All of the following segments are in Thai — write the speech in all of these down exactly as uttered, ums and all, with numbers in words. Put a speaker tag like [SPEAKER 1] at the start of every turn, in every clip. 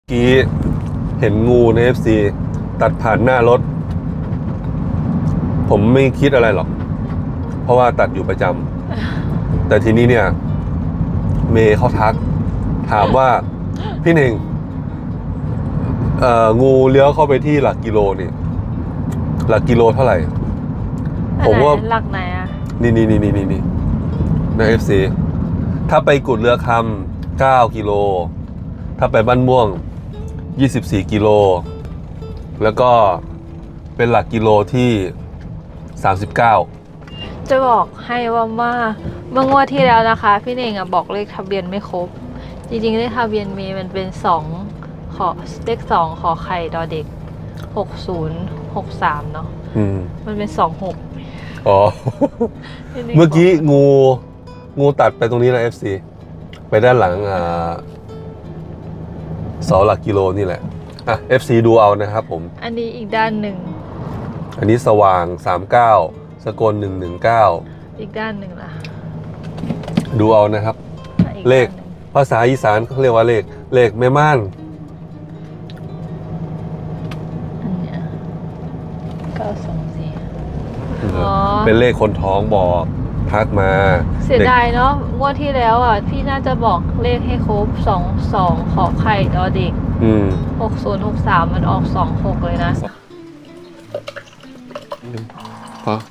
[SPEAKER 1] กี้เห็นงูใน เอฟ ซี ตัดผ่านหน้ารถผมไม่คิดอะไรหรอกเพราะว่าตัดอยู่ประจำแต่ทีนี้เนี่ยเมย์เขาทักถามว่าพี่เน่งเอ่องูเลี้ยวเข้าไปที่หลักกิโลนี่หลักกิโลเท่าไหร่ผมว่า
[SPEAKER 2] หลักไหนอ่ะ
[SPEAKER 1] นี่นี่นี่นี่นี่นี่ใน เอฟ ซี ถ้าไปกุดเรือคำเก้ากิโลถ้าไปบ้านม่วงยี่สิบสี่กิโลแล้วก็เป็นหลักกิโลที่สามสิบเก้า
[SPEAKER 2] จะบอกให้ว่ามาเมื่องวดที่แล้วนะคะพี่เน่งอ่ะบอกเลขทะเบียนไม่ครบจริงๆเลขทะเบียนเมย์มันเป็นสองขอเลขสองขอไข่ดอเด็กหกศูนย์หกสามเนาะมันเป็นสองหก
[SPEAKER 1] อ๋อ เมื่อกี้งูงูตัดไปตรงนี้นะ เอฟ ซี ไปด้านหลังอ่าเสาหลักกิโลนี่แหละอ่ะ เอฟ ซี ดูเอานะครับผม
[SPEAKER 2] อันนี้อีกด้านหนึ่ง
[SPEAKER 1] อันนี้สว่างสามสิบเก้าสกลหนึ่งหนึ่งเก้า
[SPEAKER 2] อีกด้านหนึ่งล่ะ
[SPEAKER 1] ดูเอานะครับเลขภาษาอีสานเขาเรียกว่าเลขเลขแม่ม่าน
[SPEAKER 2] อันเนี้ยเก้าสองสี่
[SPEAKER 1] เป็นเลขคนท้องบอกทักมา
[SPEAKER 2] เสียดายเนาะงวดที่แล้วอ่ะพี่น่าจะบอกเลขให้ครบสองสองขอไข่ดอเด็กหกศูนย์หกสามมันออกสองหกเลยนะ
[SPEAKER 1] พอ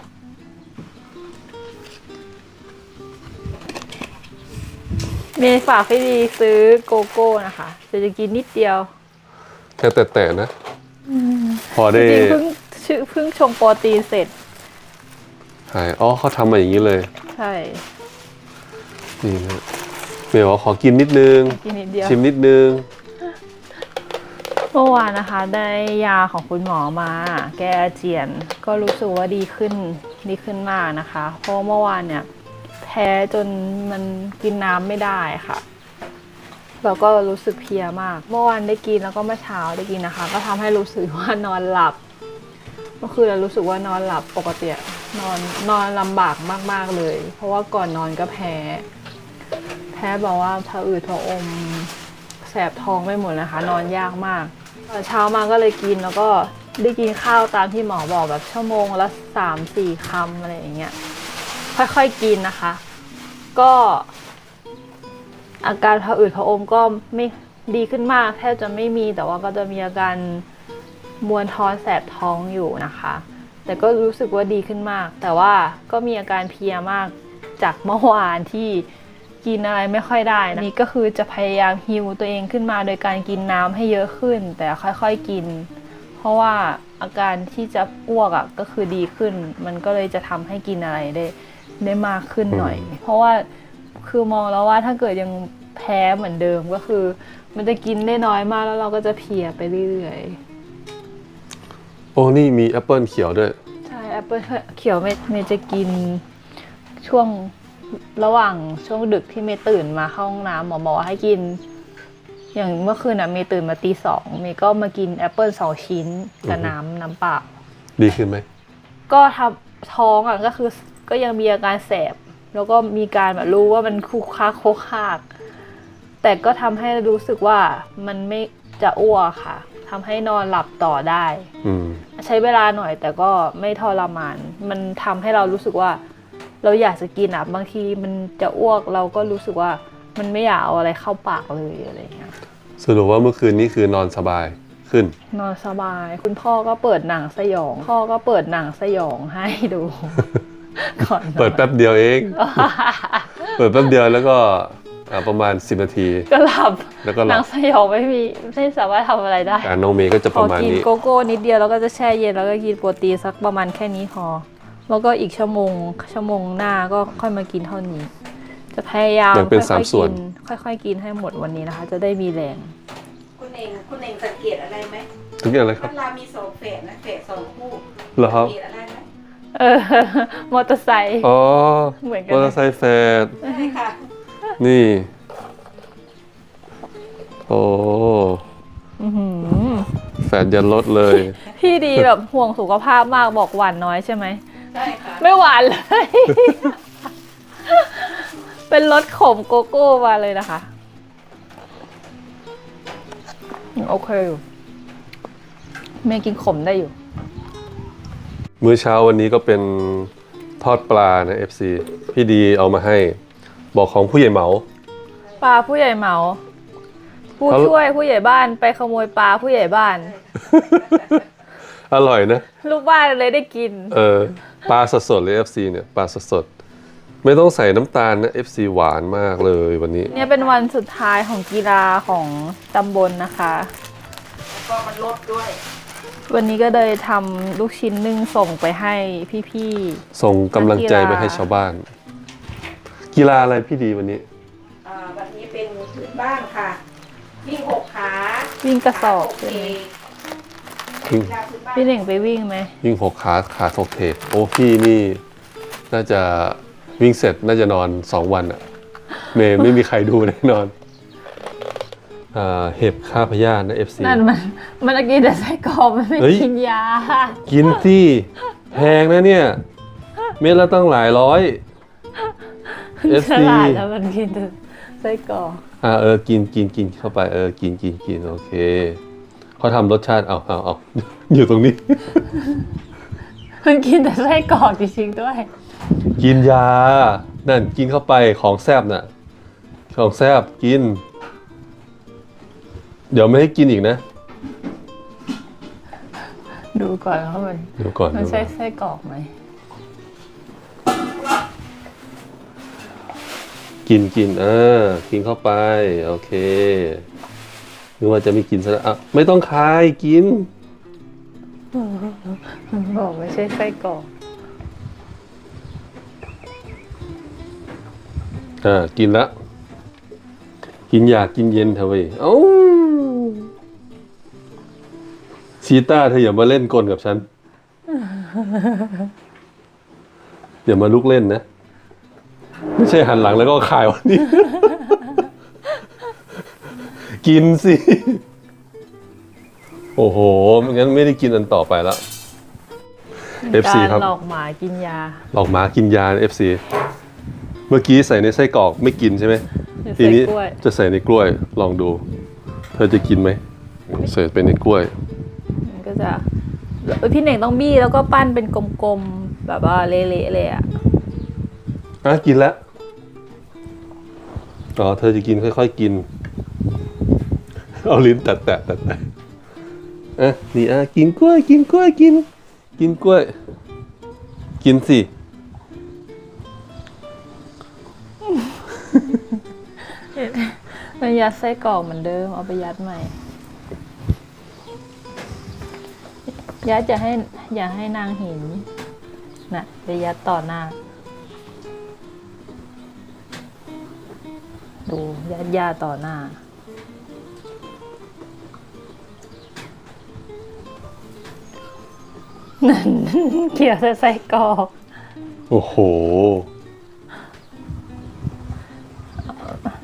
[SPEAKER 2] เมย์ฝากพี่ดีซื้อโกโก้นะคะจะจะกินนิดเดียว
[SPEAKER 1] แค่แต่ๆนะพอได้
[SPEAKER 2] เพิ่งชื่อเพิ่งชงโปรตีนเสร็จ
[SPEAKER 1] หายอ๋อเขาทำมาอย่างนี้เลย
[SPEAKER 2] ใช่
[SPEAKER 1] นี่นะเมย์ว่าขอกินนิดนึง
[SPEAKER 2] กินนิดเดียว
[SPEAKER 1] ชิมนิดนึง
[SPEAKER 2] เมื่อวานนะคะได้ยาของคุณหมอมาแก้อาเจียนก็รู้สึกว่าดีขึ้นดีขึ้นมากนะคะเพราะเมื่อวานเนี่ยแพ้จนมันกินน้ำไม่ได้ค่ะแล้วก็รู้สึกเพลียมากเมื่อวานได้กินแล้วก็เมื่อเช้าได้กินนะคะก็ทำให้รู้สึกว่านอนหลับเมื่อคืนเรารู้สึกว่านอนหลับปกตินอนนอนลำบากมากๆเลยเพราะว่าก่อนนอนก็แพ้แพ้บอกว่าผะอืดผะอมแสบท้องไปหมดนะคะนอนยากมากตอนเช้ามาก็เลยกินแล้วก็ได้กินข้าวตามที่หมอบอกแบบชั่วโมงละสามสี่คำอะไรอย่างเงี้ยค่อยๆกินนะคะก็อาการผะอืดผะอมก็ไม่ดีขึ้นมากแทบจะไม่มีแต่ว่าก็จะมีอาการมวนท้องแสบท้องอยู่นะคะแต่ก็รู้สึกว่าดีขึ้นมากแต่ว่าก็มีอาการเพลียมากจากเมื่อวานที่กินอะไรไม่ค่อยได้นะนี่ก็คือจะพยายามฮีลตัวเองขึ้นมาโดยการกินน้ำให้เยอะขึ้นแต่ค่อยๆกินเพราะว่าอาการที่จะอ้วกอ่ะก็คือดีขึ้นมันก็เลยจะทำให้กินอะไรได้ได้มากขึ้นหน่อยเพราะว่าคือมองแล้วว่าถ้าเกิดยังแพ้เหมือนเดิมก็คือมันจะกินได้น้อยมากแล้วเราก็จะเพลียไปเรื่อยๆ
[SPEAKER 1] โอ้นี่มีแอปเปิลเขียวด้วย
[SPEAKER 2] ใช่แอปเปิลเขียวเมย์เมย์จะกินช่วงระหว่างช่วงดึกที่เมย์ตื่นมาเข้าห้องน้ำหมอบอกว่าให้กินอย่างเมื่อคืนน่ะเมย์ตื่นมาตีสองเมย์ก็มากินแอปเปิลสองชิ้นกับน้ำน้ำเปล่า
[SPEAKER 1] ดีขึ้นไหม
[SPEAKER 2] ก็ทำท้องอ่ะก็คือก็ยังมีอาการแสบแล้วก็มีการแบบรู้ว่ามันคุกคักโคกคากแต่ก็ทำให้รู้สึกว่ามันไม่จะอ้วกค่ะทำให้นอนหลับต่อได้ใช้เวลาหน่อยแต่ก็ไม่ทรมานมันทำให้เรารู้สึกว่าเราอยากจะกินอ่ะบางทีมันจะอ้วกเราก็รู้สึกว่ามันไม่อยากเอาอะไรเข้าปากเลยอะไรเงี้ย
[SPEAKER 1] สรุปว่าเมื่อคืนนี้คือนอนสบายขึ้น
[SPEAKER 2] นอนสบายคุณพ่อก็เปิดหนังสยองพ่อก็เปิดหนังสยองให้ดูก่อน
[SPEAKER 1] เปิดแป๊บเดียวเองเปิดแป๊บเดียวแล้วก็ประมาณสิบนาที
[SPEAKER 2] ก็หลับแล้วก็หลับหนังสยองไม่มีไม่สามารถทำอะไรได้
[SPEAKER 1] น้องเมย์ก็จะประมาณนี้
[SPEAKER 2] กินโกโก้นิดเดียวแล้วก็จะแช่เย็นแล้วก็กินโปรตีนสักประมาณแค่นี้พอแล้วก็อีกชั่วโมงชั่วโมงหน้าก็ค่อยมากินเท่านี้จะพยายาม
[SPEAKER 1] ค่อยๆกิน
[SPEAKER 2] ค่อยๆกินให้หมดวันนี้นะคะจะได้มีแรง
[SPEAKER 3] คุณเองคุณเองสังเกตอะไรไหม
[SPEAKER 1] สังเกตอะไรครับ
[SPEAKER 3] เวลามีสองเฟสนะเฟสสองคู่
[SPEAKER 1] เหรอครับ
[SPEAKER 3] สังเกตอะไรไหม
[SPEAKER 2] เออมอเตอร์ไซค์
[SPEAKER 1] อ๋อ
[SPEAKER 2] เหมือนกัน
[SPEAKER 1] มอเตอร์ไซค์แฟด
[SPEAKER 3] ใช่ค่ะ
[SPEAKER 1] นี่โอ้แฟดยันลดเลย
[SPEAKER 2] พี่ดีแบบห่วงสุขภาพมากบอกหวานน้อยใช่ไหม
[SPEAKER 3] ใช่ค่ะ
[SPEAKER 2] ไม่หวานเลยเป็นรสขมโกโก้มาเลยนะคะโอเคอยู่เมย์กินขมได้อยู่
[SPEAKER 1] มื้อเช้าวันนี้ก็เป็นทอดปลานะ เอฟ ซี พี่ดีเอามาให้ บอกของผู้ใหญ่เหมา
[SPEAKER 2] ปลาผู้ใหญ่เหมาผู้
[SPEAKER 1] เขา
[SPEAKER 2] ช่วยผู้ใหญ่บ้านไปขโมยปลาผู้ใหญ่บ้าน
[SPEAKER 1] อร่อยนะ
[SPEAKER 2] ลูกบ้านเลยได้กิน
[SPEAKER 1] เออปลาสดๆเลย เอฟ ซี เนี่ยปลาสดๆไม่ต้องใส่น้ำตาลนะ เอฟ ซี หวานมากเลยวันนี้
[SPEAKER 2] เนี่ยเป็นวันสุดท้ายของกีฬาของตำบลนะคะ
[SPEAKER 3] แล้วก็มันลดด้วย
[SPEAKER 2] วันนี้ก็เลยทำลูกชิ้นนึ่งส่งไปให้พี่
[SPEAKER 1] ส่งกำลังใจ
[SPEAKER 2] นักกีฬา
[SPEAKER 1] ไปให้ชาวบ้าน กีฬาอะไรพี่ดีวันนี้
[SPEAKER 3] อ่าวันนี้เป็นพื้นบ้านค่ะ วิ่งหกขา
[SPEAKER 2] ๆวิ่งกระสอบ
[SPEAKER 3] โอ
[SPEAKER 2] ใช่
[SPEAKER 3] เค
[SPEAKER 2] ไหม
[SPEAKER 1] วิ่ง
[SPEAKER 3] กีฬาพื้นบ้าน
[SPEAKER 2] พี่เน่งไปวิ่งไหม
[SPEAKER 1] วิ่งหกขาขาถกเทกโอ้พี่นี่น่าจะวิ่งเสร็จน่าจะนอนสองวันอะเมย์ไม่มีใครดูแน่นอนอ่าเห็บฆ่าพยาธินะ เอฟ ซี
[SPEAKER 2] นั่นมันมันกินแต่ไส้กรอกมันไม่
[SPEAKER 1] เฮ้ย
[SPEAKER 2] กินยา
[SPEAKER 1] กินที่แพงนะเนี่ย เม็ดละตั้งหลายร้อย เอฟ
[SPEAKER 2] ฉ
[SPEAKER 1] ซี
[SPEAKER 2] ลาดแล้วมันกินแต่ไส้กรอก
[SPEAKER 1] อ่าเออกินกินกินเข้าไปเออกินกินกินโอเคเขาทำรสชาติเอาเอาเอา อยู่ตรงนี้
[SPEAKER 2] มันกินแต่ไส้กรอกจริงๆด้วย
[SPEAKER 1] กินยา นั่นกินเข้าไปของแซบน่ะ ของแซบกิน เดี๋ยวไม่ให้กินอีกนะ
[SPEAKER 2] ดูก่อนว่ามัน
[SPEAKER 1] เดี๋ยวก่อน
[SPEAKER 2] มัน
[SPEAKER 1] ดู
[SPEAKER 2] ใช่ไส้กรอกไหม
[SPEAKER 1] กินกินเออกินเข้าไป โอเคนึกว่าจะไม่กินซะแล้วอ่ะไม่ต้องคายกิน
[SPEAKER 2] มันบอกไม่ใช่ไส้กรอก
[SPEAKER 1] อ่ากินละกินอยากกินเย็นเถอะเว้ยเอ้าชีต้าเธออย่ามาเล่นกลกับฉันอย่ามาลุกเล่นนะ ไม่ใช่หันหลังแล้วก็ขายวันนี้ กินสิ โอ้โหงั้นไม่ได้กินอันต่อไปแล้ว เอฟ ซี
[SPEAKER 2] การ
[SPEAKER 1] ครับ
[SPEAKER 2] หลอกหมากินยา
[SPEAKER 1] หลอกหมากินยา เอฟ ซี เมื่อกี้ใส่ในไส้กรอกไม่กินใช่ไหม
[SPEAKER 2] หรือ
[SPEAKER 1] ที
[SPEAKER 2] ใส่
[SPEAKER 1] นี้
[SPEAKER 2] กล้วย
[SPEAKER 1] จะใส่ในกล้วยลองดู เธอจะกินไหมใส่ไปในกล้วย
[SPEAKER 2] มันก็จะเอ้ยพี่เน่งต้องบี้แล้วก็ปั้นเป็นกลมๆแบบว่าเละๆเลยอ่ะ
[SPEAKER 1] อ่ะกินแล้วอ๋อเธอจะกินค่อยๆกิน เอาลิ้นแตะๆแตะแตะอ่ะนี่อ่ะกินกล้วย กินกล้วยกิน กินกล้วย กินสิ
[SPEAKER 2] มันยัดไส้กรอกเหมือนเดิมเอาไปยัดใหม่ ยัดอย่าให้อย่าให้นางเห็นน่ะไปยัดต่อหน้า ดูยัดยาต่อหน้า นั่น เกี่ยวแต่ไส้กรอก
[SPEAKER 1] โอ้โห